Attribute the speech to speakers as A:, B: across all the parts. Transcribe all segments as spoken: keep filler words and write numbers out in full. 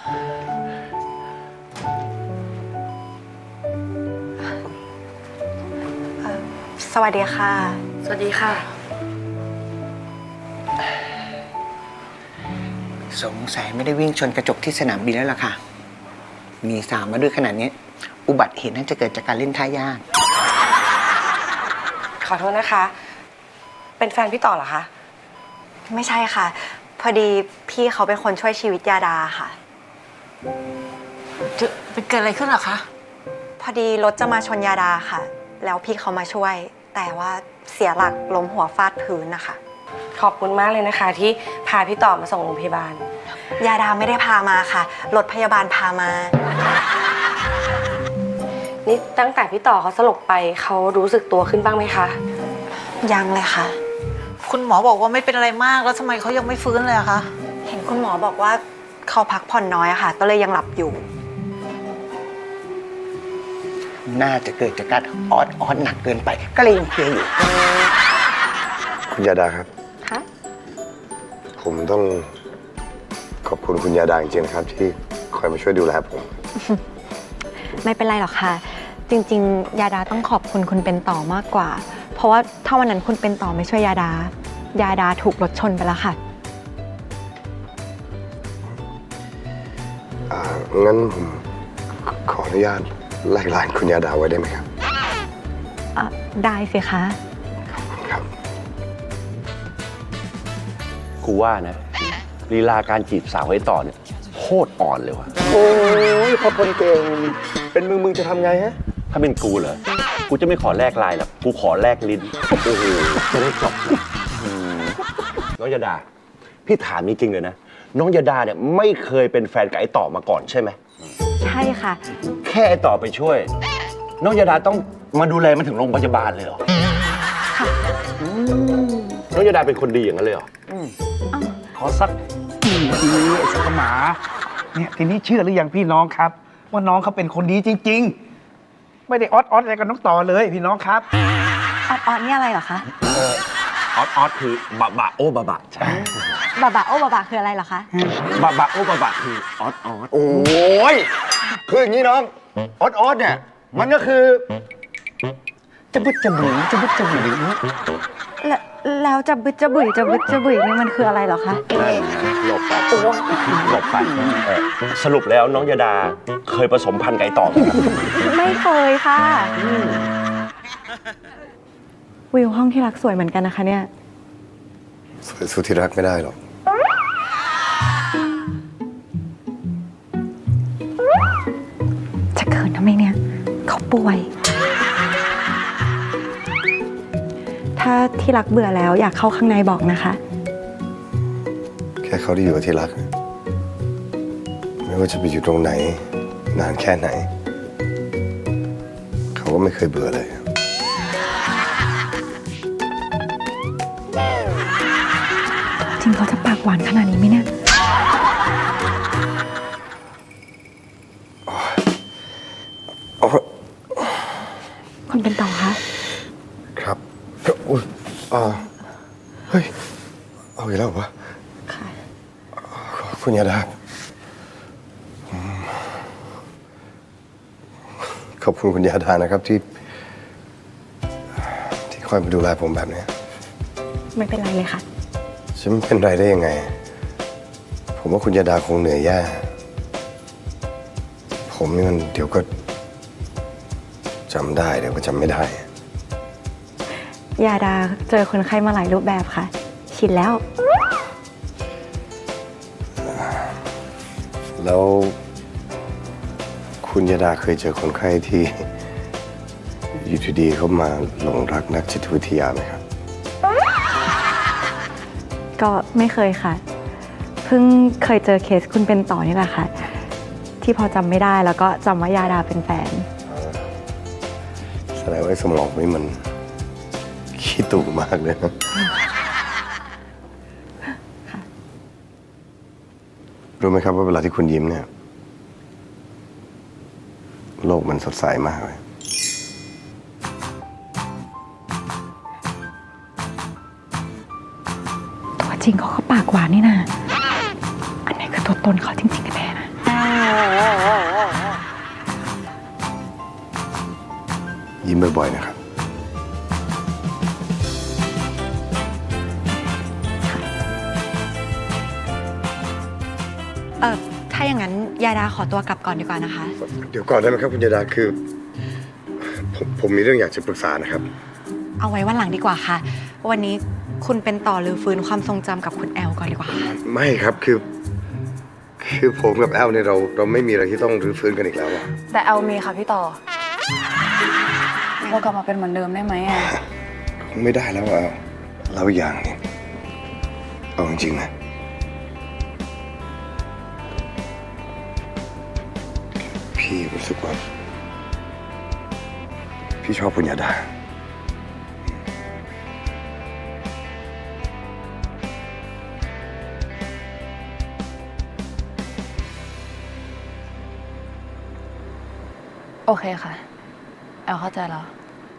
A: สวัสดีค่ะ
B: สวัสดีค่ะ
C: สงสัยไม่ได้วิ่งชนกระจกที่สนามบินแล้วล่ะค่ะมีสามมาด้วยขนาดนี้อุบัติเหตุน่าจะเกิดจากการเล่นท่ายาก
B: ขอโทษนะคะ เป็นแฟนพี่ต่อเหรอคะ
A: ไม่ใช่ค่ะ พอดีพี่เขาเป็นคนช่วยชีวิตยาดาค่ะ
D: จะเป็นเกิดอะไรขึ้นหรอคะ
A: พอดีรถจะมาชนยาดาค่ะ แล้วพี่เขามาช่วย แต่ว่าเสียหลักล้มหัวฟาดพื้นนะคะ
B: ขอบคุณมากเลยนะคะที่พาพี่ต่อมาส่งโรงพยาบาล
A: ยาดาไม่ได้พามาค่ะรถพยาบาลพามา
B: นี่ตั้งแต่พี่ต่อเขาสลบไปเขารู้สึกตัวขึ้นบ้างไหมคะ
A: ยังเลยค่ะ
D: คุณหมอบอกว่าไม่เป็นอะไรมากแล้วทำไมเขายังไม่ฟื้นเลยอะคะ
A: เห็นคุณหมอบอกว่าเขาพักผ่อนน้อยอะค่ะก็เลยยังหลับอยู่
C: น่าจะเกิดจากการออดออดหนักเกินไปก็เลยยังเพลียอยู่
E: คุณยาดาครับ
A: คะ
E: ผมต้องขอบคุณคุณยาดาจริงๆนะครับที่คอยมาช่วยดูแลผม
A: ไม่เป็นไรหรอกค่ะจริงๆยาดาต้องขอบคุณคุณเป็นต่อมากกว่าเพราะว่าถ้าวันนั้นคุณเป็นต่อไม่ช่วยยาดายาดาถูกรถชนไปแล้วค่ะ
E: อ่างั้นผมขออนุญาตไล่ลานคุณยาดาไว้ได้ไหมครับ
A: อ่ะได้สิคะ
E: ครับ
F: กูว่านะลีลาการจีบสาวไว้ต่อเนี่ยโคตรอ่อนเลยว่ะ
E: โอ้ยพอคนเก่งเป็นมึงมึงจะทำไงฮะ
F: ถ้าเป็นกูเหรอกูจะไม่ขอแลกไลน์หรอกกูขอแลกลิ้นโอ้โหจะได้จบเลยน้องยาดาพี่ถามจริงๆเลยนะน้องยาดาเนี่ยไม่เคยเป็นแฟนกับไอ้ต่อมาก่อนใช่ไหม
A: ใช่ค่ะ
F: แค่ไอ้ต่อไปช่วยน้องยาดาต้องมาดูแลมันถึงโรงพยาบาลเลยเหรอ
A: ค่ะ
F: น้องยาดาเป็นคนดีอย่างนั้นเลยเหรอ
G: ขอสักกี่ทีไอ้สักหมาเนี่ยทีนี้เชื่อหรือยังพี่น้องครับว่าน้องเขาเป็นคนดีจริงๆไม่ได้ออดออดอะไรกับน้องต่อเลยพี่น้องครับ
A: ออดออดนี่อะไรเหรอคะ
F: ออดออดคือบะบะโอบะบะใช่
A: บะบะโอบะบะคืออะไรเหรอคะ
F: บะบะโอบะบะคือออดออด
E: โอ้ยคืออย่างนี้น้องออดออดเนี่ยมันก็คือจะบึดจะบึ๋จะบึดจะบึ๋
A: แล้วแล้วจะบึดจะบุ๋ยจะบึดจะบุ๋ยนี่มันคืออะไรเหรอคะ
F: หลบไปหลบไปสรุปแล้วน้องยาดาเคยผสมพันธุ์ไก่ต่อไหมครับ
A: ไม่เคยค่ะวิวห้องที่รักสวยเหมือนกันนะคะเนี่ย
E: สวยสู้ที่รักไม่ได้หรอก
A: จะเขินทำไมเนี่ยเขาป่วยถ้าที่รักเบื่อแล้วอยากเข้าข้างในบอกนะคะ
E: แค่เขาได้อยู่กับที่รักไม่ว่าจะไปอยู่ตรงไหนนานแค่ไหนเขาก็ไม่เคยเบื่อเลย
A: จริงเขาจะปากหวานขนาดนี้ไหมเนี่ยคุณเป็นต่อคะ
E: ครับอุ้ยอ่าเฮ้ยเอาอีกแล้ววะ
A: ค่ะ
E: คุณยาดาขอบคุณคุณยาดานะครับที่ที่คอยมาดูแลผมแบบนี้
A: ไม่เป็นไรเลยค่ะ
E: ฉันไม่เป็นไรได้ยังไงผมว่าคุณยาดาคงเหนื่อยแย่ผมนี่มันเดี๋ยวก็จำได้เดี๋ยวก็จำไม่ได้
A: ยาดาเจอคนไข้มาหลายรูปแบบค่ะชินแล้ว
E: แล้วคุณยาดาเคยเจอคนไข้ที่อยู่ดีๆเขามาหลงรักนักจิตวิทยาไหมครับ
A: ก็ไม่เคยค่ะเพิ่งเคยเจอเคสคุณเป็นต่อนี่แหละค่ะที่พอจำไม่ได้แล้วก็จำว่ายาดาเป็นแฟน
E: แสดงว่าสมองนี่มันขี้ตุ่มากเลยนะรู้ไหมครับว่าเวลาที่คุณยิ้มเนี่ยโลกมันสดใสมากเลย
A: ตัวจริงเขาก็ปากหวานนี่นะอันไหนคือตัวตนเขาจริงๆกันแน่นะ
E: ยิ้มบ่อยๆนะครับ
A: เออถ้าอย่างนั้นยาดาขอตัวกลับก่อนดีกว่านะคะ
E: เดี๋ยวก่อนได้ไหมครับคุณยาดาคือ ผมผมมีเรื่องอยากจะปรึกษานะครับ
A: เอาไว้วันหลังดีกว่าค่ะ วันนี้คุณเป็นต่อหรือฟื้นความทรงจำกับคุณแอลก่อนดีกว่าค่ะ
E: ไม่ครับคือ คือผมกับแอลเนี่ยเราเราไม่มีอะไรที่ต้องรื้อฟื้นกันอีกแล้วอะ
B: แต่แอลมีค่ะพี่ต่อ เรากลับมาเป็นเหมือนเดิมได้ไหมอ่ะ
E: คงไม่ได้แล้วอะเราอีกอย่างเนี่ยเอาจริงๆนะพี่รู้สึกว่าพี่ชอบคุณยาดา
B: โอเคค่ะ แอลเข้าใจแล้ว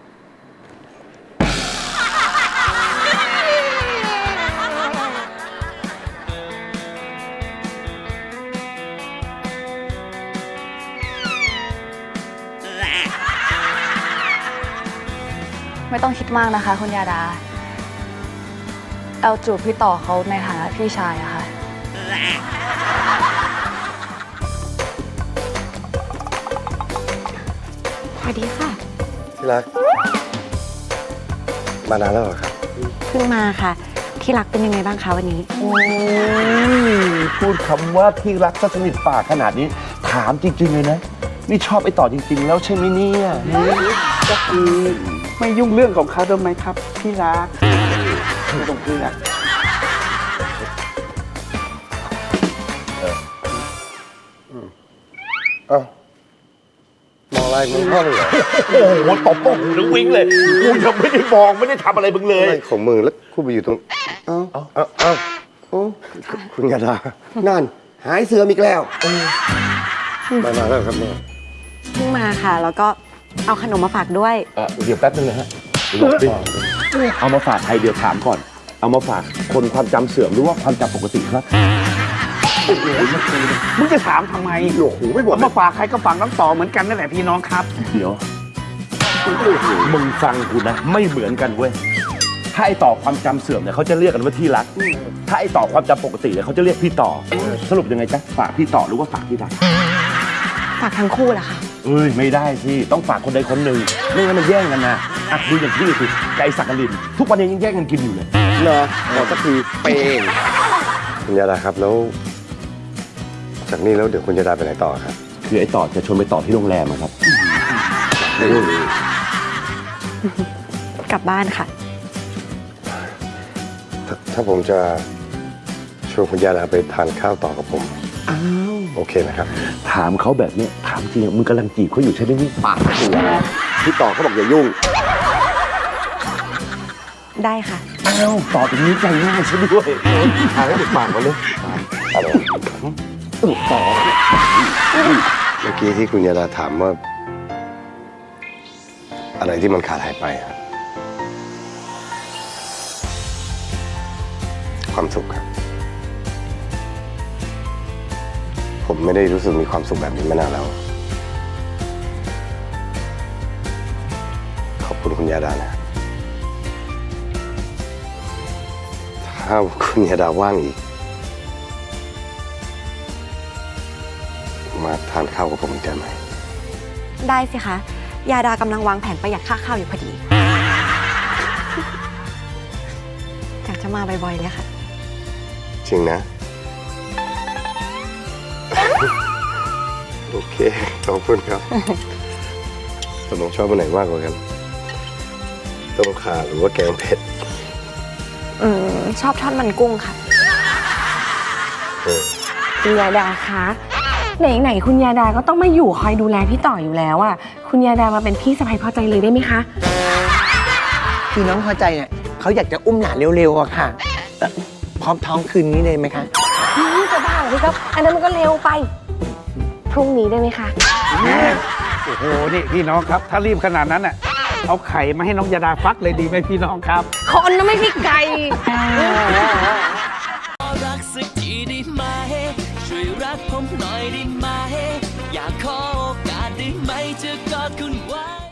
B: ไม่ต้องคิดมากนะคะคุณยาดา แอลจูบพี่ต่อเขาในฐานะพี่ชายอะค่ะ
A: สวัสดีค่ะ
E: ที่รัก มานานแล้วเหรอครับ
A: เพิ่งมาค่ะ ที่รักเป็นยังไงบ้างคะวันนี้
F: โอ้ยพูดคำว่าที่รักซะสนิทปากขนาดนี้ ถามจริง ๆ เลยนะ นี่ชอบไอ้ต่อจริง ๆ แล้วใช่ไหมเนี่ย
G: ก็คือไม่ยุ่งเรื่องของเขาได้ไหมครับที่รักไม่ต้องเครียด
E: เอ้า มองอะไรมึงพ่อเลยเหรอ
F: โอ้โหตบโป้งถึงวิ่งเลย กูยังไม่ได้มองไม่ได้ทำอะไรมึงเลย
E: อะไรของมึงแล้วคุณไปอยู่ตรง เอ้า เอ้า เอ้าเอ้าโอ้คุณยาดา นั่น หายเสือมอีกแล้วมานานแล้วครับแม่
A: เพิ่งมาค่ะ แล้วก็เอาขนมมาฝากด้วย
F: เอ่อเดี๋ยวแป๊บนึงนะฮะหลบดิเอามาฝากใครเดี๋ยวถามก่อน เอามาฝากคนความจำเสื่อมหรือว่าความจำปกติครับ
G: มึงจะถามทำไม
E: หลวกหูไม่หมด
G: เอามาฝากใครก็ฝากน้องต่อเหมือนกันนั่นแหละพี่น้องครับ
F: เดี๋ยวมึงฟังกูนะ ไม่เหมือนกันเว้ย ถ้าไอต่อความจำเสื่อมเนี่ยเขาจะเรียกกันว่าที่รัก ถ้าไอต่อความจำปกติเนี่ยเขาจะเรียกพี่ต่อ สรุปยังไงจ๊ะฝากพี่ต่อหรือว่าฝากพี่รัก
A: ฝากทั้งคู่แหละค่ะ
F: เอ้ยไม่ได้สิต้องฝากคนใดคนหนึ่งไม่งั้นมันแย่งกันนะอ่ะดูอย่างพี่สิไก่สักกลิน ทุกวันนี้ยังแย่งกันกินอยู่เลย
E: เหรอขอสักทีเป้งคุณยาดาครับแล้ว จากนี้แล้วเดี๋ยวคุณยาดาไปไหนต่อครับ
F: คือไอต่อจะชวนไปต่อที่โรงแรมอะครับ
A: กลับบ้านค่ะ
E: ถ้าถ้าผมจะชวนคุณยาดาไปทานข้าวต่อกับผม
F: อ้าว
E: โอเคนะครับ
F: ถามเขาแบบเนี้ยถามจริงอะมึงกำลังจีบเขาอยู่ใช่ไหมนี่ปากตัวพี่ต่อเขาบอกอย่ายุ่ง
A: ได้ค่ะ
F: อ้าวต่อตรงนี้ใจง่ายซะด้วยทางให้เด็กปากมาเลยอะไรต่อ
E: เมื่อกี้ที่คุณยาดาถามว่า อะไรที่มันขาดหายไปครับความสุขครับ ผมไม่ได้รู้สึกมีความสุขแบบนี้มานานแล้ว ขอบคุณคุณยาดานะ ถ้าคุณยาดาว่างอีก มาทานข้าวกับผมได้ไหม
A: ได้สิคะ ยาดากำลังวางแผนประหยัดค่าข้าวอยู่พอดี อยากจะมาบ่อยๆเลยค่ะ
E: จริงนะ โอเค ขอบคุณครับตกลงชอบอันไหนมากกว่ากัน ต้มข่าหรือว่าแกงเผ็ด
A: อืม ชอบทอดมันกุ้งค่ะ
E: เออ
H: คุณยาดาคะไหนๆคุณยาดาก็ต้องมาอยู่คอยดูแลพี่ต่ออยู่แล้วอ่ะคุณยาดามาเป็นพี่สะใภ้พอใจเลยได้ไหมคะ
C: คือน้องพอใจเนี่ยเขาอยากจะอุ้มหลานเร็วๆอะค่ะเอ่อพร้อมท้องคืนนี้เลยไหมคะ
H: นี่จะบ้าเหรอพี่ครับอันนั้นมันก็เร็วไป พรุ่งนี้ได้ไหมคะ
G: โอ้โห นี่พี่น้องครับ ถ้ารีบขนาดนั้นอ่ะ เอาไข่มาให้น้องยาดาฟักเลยดีไหมพี่น้องครับ
H: คนนะไม่ใช่ไก่
I: รักสักทีได้ไหมช่วยช่วยรักผมหน่อยได้ไหมอยากขอโอกาสได้ไหมจะกอดคุณไว้